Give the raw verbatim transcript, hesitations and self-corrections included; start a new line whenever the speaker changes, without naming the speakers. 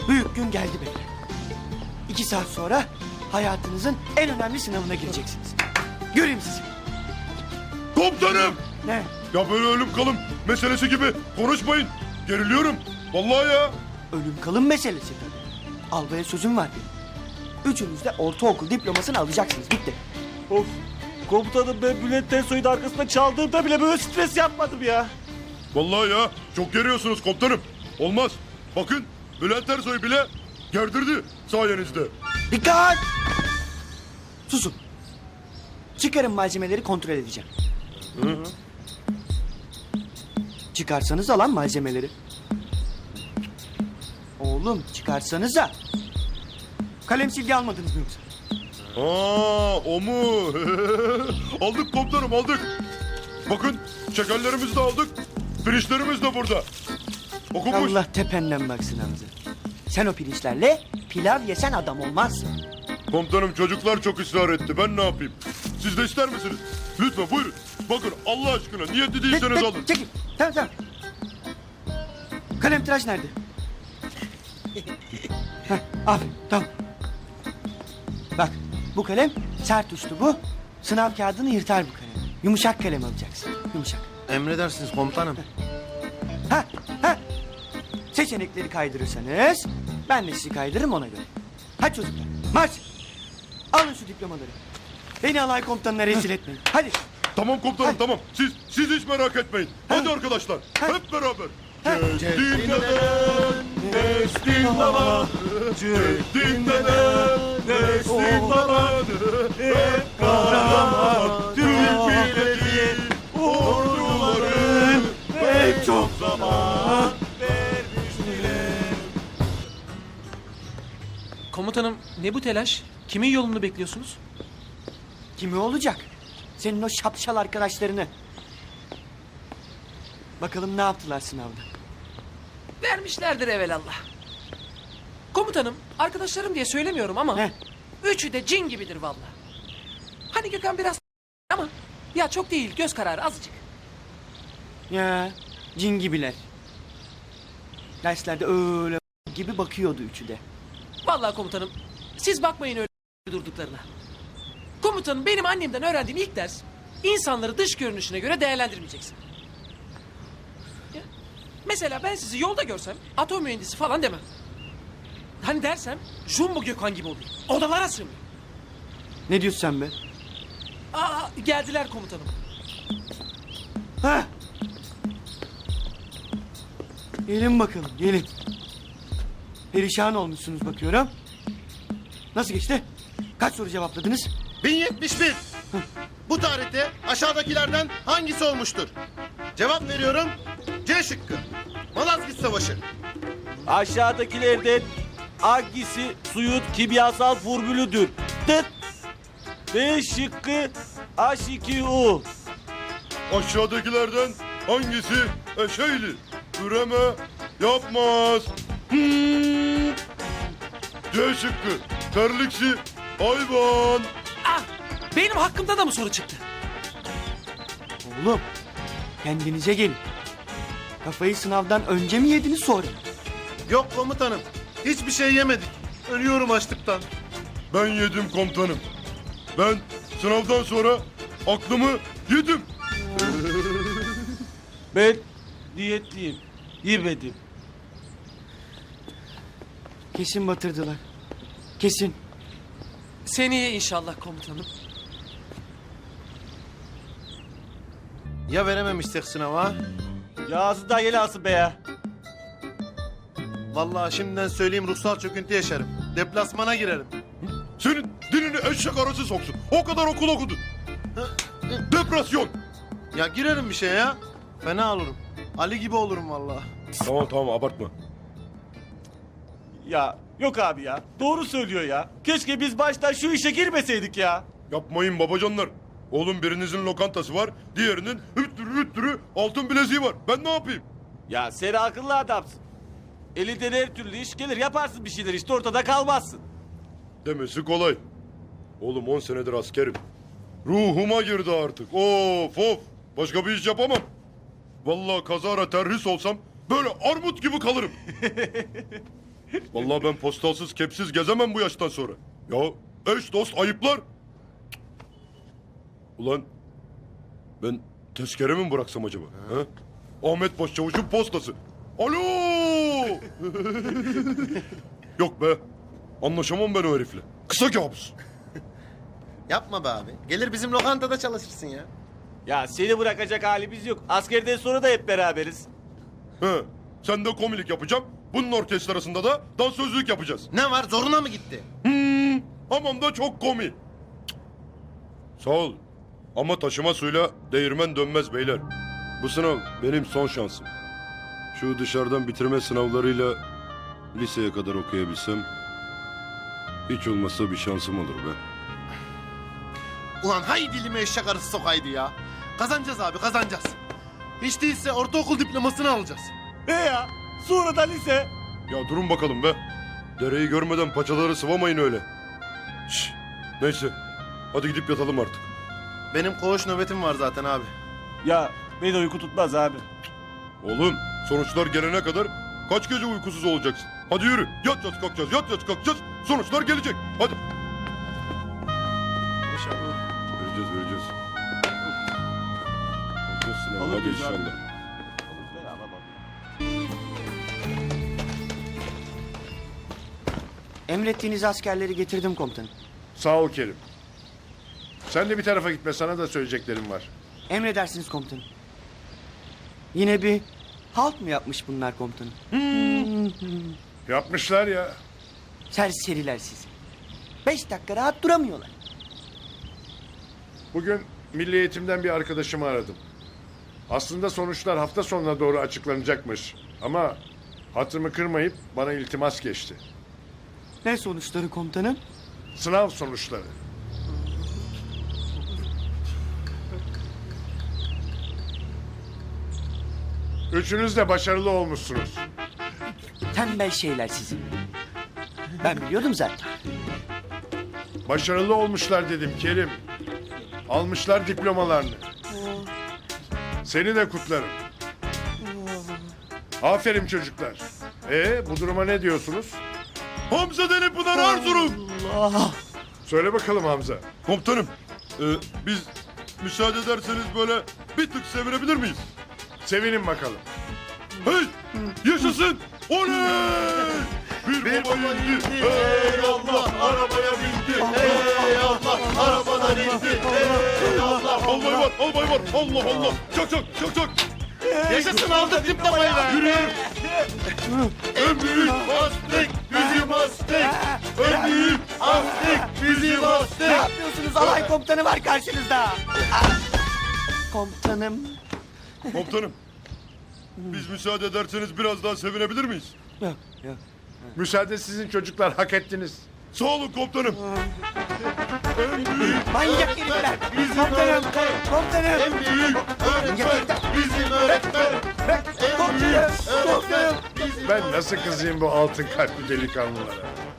Büyük gün geldi beyler. İki saat sonra hayatınızın en önemli sınavına gireceksiniz. Göreyim sizi.
Komutanım!
Ne?
Ya böyle ölüm kalım meselesi gibi konuşmayın. Geriliyorum. Vallahi ya.
Ölüm kalım meselesi tabii. Albaya sözüm var benim. Üçünüz de ortaokul diplomasını alacaksınız. Bitti.
Of. Komutanım ben Bülent Tensoy'un arkasında çaldığımda bile böyle stres yapmadım ya.
Vallahi ya. Çok geriyorsunuz komutanım. Olmaz. Bakın Bülent Ersoy bile gerdirdi sayenizde.
Dikkat! Susun. Çıkarın malzemeleri kontrol edeceğim.
Hı?
Çıkarsanız alan malzemeleri. Oğlum çıkarsanıza. Kalem silgi almadınız mı yoksa?
Aa, o mu? Aldık komutanım aldık. Bakın şekerlerimizi de aldık. Pirinçlerimiz de burada. Okumuş.
Allah tependen baksın Hamza. Sen o pirinçlerle pilav yesen adam olmazsın.
Komutanım çocuklar çok ısrar etti. Ben ne yapayım? Siz de ister misiniz? Lütfen buyurun. Bakın Allah aşkına niyetli değilseniz
Tek-
alın.
Çekil. Tamam tamam. Kalem tıraş nerede? Heh, aferin tamam. Bak bu kalem sert uçlu bu. Sınav kağıdını yırtar bu kalem. Yumuşak kalem alacaksın. Yumuşak.
Emredersiniz komutanım.
Ha ha. Seçenekleri kaydırırsanız ben de sizi kaydırırım ona göre. Hadi çocuklar marş. Alın şu diplomaları. Beni alay komutanına rezil etmeyin. Hadi.
Tamam komutanım
Hadi.
tamam. Siz siz hiç merak etmeyin. Hadi arkadaşlar. Hep beraber. Ceddin dedem, Nestin baba. Ceddin dedem, Nestin baba. Hep kahraman Türk milleti. Orduların pek çok zaman vermişler.
Komutanım ne bu telaş? Kimin yolunu bekliyorsunuz?
Kimi olacak? Senin o şapşal arkadaşlarını. Bakalım ne yaptılar sınavda.
Vermişlerdir evelallah. Komutanım arkadaşlarım diye söylemiyorum ama
Ne?
üçü de cin gibidir vallahi. Hani Gökhan biraz ama ya çok değil göz kararı azıcık.
Ya cin gibiler. Derslerde öyle gibi bakıyordu üçü de.
Vallahi komutanım siz bakmayın öyle durduklarına. Komutanım benim annemden öğrendiğim ilk ders insanları dış görünüşüne göre değerlendirmeyeceksin. Ya, mesela ben sizi yolda görsem atom mühendisi falan demem. Hani dersem Jumbo Gökhan gibi olayım. Odalara sığmıyor.
Ne diyorsun sen be?
Aa geldiler komutanım.
Ha? Gelin bakalım gelin. Perişan olmuşsunuz bakıyorum. Nasıl geçti? Kaç soru cevapladınız?
bin yetmiş bir. Bu tarihte aşağıdakilerden hangisi olmuştur? Cevap veriyorum. C şıkkı. Malazgirt Savaşı.
Aşağıdakilerden hangisi suyun kimyasal formülüdür? Tıt. B şıkkı H iki O.
Aşağıdakilerden hangisi eşeyli? Üreme yapmaz. Hmm. C şıkkı. Terliksi hayvan.
Ah benim hakkımda da mı soru çıktı?
Oğlum kendinize gelin. Kafayı sınavdan önce mi yediniz sonra mı?
Yok komutanım. Hiçbir şey yemedik. Ölüyorum açlıktan.
Ben yedim komutanım. Ben sınavdan sonra aklımı yedim.
Ben niyetliyim. Yemedim.
Kesin batırdılar. Kesin.
Seneye inşallah komutanım.
Ya verememişsek sınava?
Yağsı da yelasın be ya.
Vallahi şimdiden söyleyeyim ruhsal çöküntü yaşarım. Deplasmana girerim.
Senin dilini eşek arası soksun. O kadar okul okudun. Depresyon.
Ya girerim bir şey ya. Fena olurum. Ali gibi olurum vallahi.
Tamam tamam abartma.
Ya yok abi ya. Doğru söylüyor ya. Keşke biz baştan şu işe girmeseydik ya.
Yapmayın babacanlar. Oğlum birinizin lokantası var. Diğerinin hüttürü hüttürü altın bileziği var. Ben ne yapayım?
Ya sen akıllı adamsın. Elinden her türlü iş gelir yaparsın bir şeyler işte ortada kalmazsın.
Demesi kolay. Oğlum on senedir askerim. Ruhuma girdi artık. Of of. Başka bir iş yapamam. Vallahi kazara terhis olsam böyle armut gibi kalırım. Vallahi ben postalsız kepsiz gezemem bu yaştan sonra. Ya eş dost ayıplar. Ulan ben tezkere mi bıraksam acaba? He? Ahmet Başçavuş'un postası. Alo! Yok be. Anlaşamam ben o herifle. Kısa kabus.
Yapma be abi. Gelir bizim lokantada çalışırsın ya.
Ya seni bırakacak halimiz yok. Askerden sonra da hep beraberiz.
He. Sen de komilik yapacağım. Bunun orkestrasında da dansözlük yapacağız.
Ne var zoruna mı gitti?
Hmm, aman da çok komik. Sağ ol. Ama taşıma suyla değirmen dönmez beyler. Bu sınav benim son şansım. Şu dışarıdan bitirme sınavlarıyla liseye kadar okuyabilsem... hiç olmazsa bir şansım olur be.
Ulan hay dilime eşek arısı sokaydı ya. Kazanacağız abi kazanacağız. Hiç değilse ortaokul diplomasını alacağız.
He ya. Sonra da lise.
Ya durun bakalım be. Dereyi görmeden paçaları sıvamayın öyle. Şş, neyse. Hadi gidip yatalım artık.
Benim koğuş nöbetim var zaten abi.
Ya beni uyku tutmaz abi.
Oğlum sonuçlar gelene kadar kaç gece uykusuz olacaksın? Hadi yürü. Yatacağız kalkacağız, yatacağız kalkacağız. Sonuçlar gelecek. Hadi. Vereceğiz vereceğiz. Alacağız sınavı hadi
Alırız abi.
inşallah.
Emrettiğiniz askerleri getirdim komutanım.
Sağ ol Kerim. Sen de bir tarafa gitme, sana da söyleyeceklerim var.
Emredersiniz komutanım. Yine bir halt mı yapmış bunlar komutanım?
Yapmışlar ya.
Serseriler sizi. Beş dakika rahat duramıyorlar.
Bugün Milli Eğitim'den bir arkadaşımı aradım. Aslında sonuçlar hafta sonuna doğru açıklanacakmış. Ama hatırımı kırmayıp bana iltimas geçti.
Ne sonuçları komutanım?
Sınav sonuçları. Üçünüz de başarılı olmuşsunuz.
Tembel şeyler sizi. Ben biliyordum zaten.
Başarılı olmuşlar dedim Kerim. Almışlar diplomalarını. Seni de kutlarım. Aferin çocuklar. Ee, bu duruma ne diyorsunuz?
Hamza Deli Pınar Erzurum.
Söyle bakalım Hamza.
Komutanım, e, biz müsaade ederseniz böyle bir tık sevinebilir miyiz?
Sevinin bakalım.
Hey! Yaşasın! Oley! Bir,
Bir
baba
baba
indi.
indi.
Hey Allah! Arabaya bindi.
Ey Allah arabadan indi. Ey Allah.
Albay var, albay var. Allah Allah. Çak çak, çak çak.
Yaşasın aldık diplomayı be.
Yürüyelim. En büyük astık bizim astık. En büyük astık bizim
Ne
astık.
yapıyorsunuz? Alay komutanı var karşınızda. Ah! Komutanım.
Komutanım, biz müsaade ederseniz biraz daha sevinebilir miyiz?
Yok yok.
Müsaade sizin çocuklar, hak ettiniz.
Sağ olun komutanım.
Manyak herifler. Komutanım. Komutanım.
En büyük öğretmen bizim öğretmen. En büyük
Komutanım.
öğretmen bizim
Ben nasıl kızayım bu altın kalpli delikanlılara?